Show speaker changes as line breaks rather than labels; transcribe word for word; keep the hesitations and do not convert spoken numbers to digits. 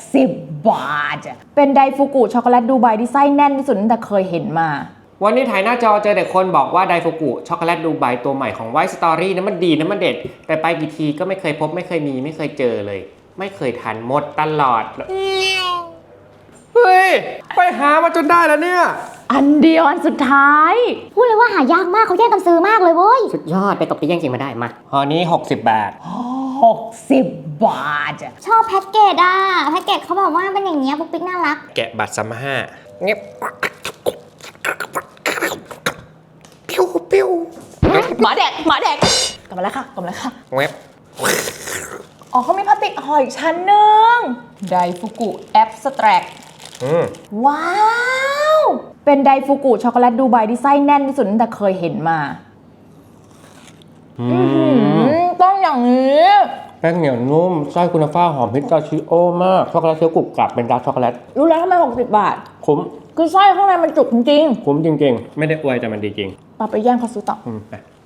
สิบบาท เป็นไดฟูกุช็อกโกแลตดูไบที่ไส้แน่นที่สุดตั้งแต่เคยเห็นมา
วันนี้ถ่ายหน้าจอเจอแต่คนบอกว่าไดฟูกุช็อกโกแลตดูไบตัวใหม่ของไวท์สตอรี่นั้นมันดีนะมันเด็ดแต่ไปกี่ทีก็ไม่เคยพบไม่เคยมีไม่เคยเจอเลยไม่เคยทันหมดตลอดเฮ้ยไปหามาจนได้แล้วเนี่ย
อันเดียวอันสุดท้าย
พูดเลยว่าหายากมากเขาแย่งกันซื้อมากเลยเว้ย
สุดยอดไปตบตีแย่งชิงมาได้มา
ห่อนี้หกสิบบาท
หกสิบบาท
ชอบแพ็กเกจอ่ะแพ็กเกจเขาบอกว่าเป็นอย่างเงี้ยปุ๊กปิ๊กน่ารัก
แกะบัตรซัมห้าเงียบปิ้วปิ้ว
หมาแดกหมาแดกกลับมาแล้วค่ะกลับมาแล้วค่ะ
เว็บ
อ๋อเขามีพลาสติกห่ออีกชั้นหนึ่งไดฟูกุแอปสแตรกว้าวเป็นไดฟูกุช็อกโกแลตดูไบที่ไส้แน่นที่สุดตั้งแต่เคยเห็นมาต้องอย่างนี้
แป้งเหนียวนุ่มไส้คุณภาพหอมพิสตาชิโอมากช็อกโกแลตเคี้ยวกรุบกรับเป็นดาร์กช็อกโกแลต
รู้แล้วทำไมหกสิบบาท
คุ้ม
คือไส้ข้างในมันจุกจริง
ๆคุ้มจริงๆไม่ได้อวยแต่มันดีจริง
ปาไปแย่งเขาซื้อต่อ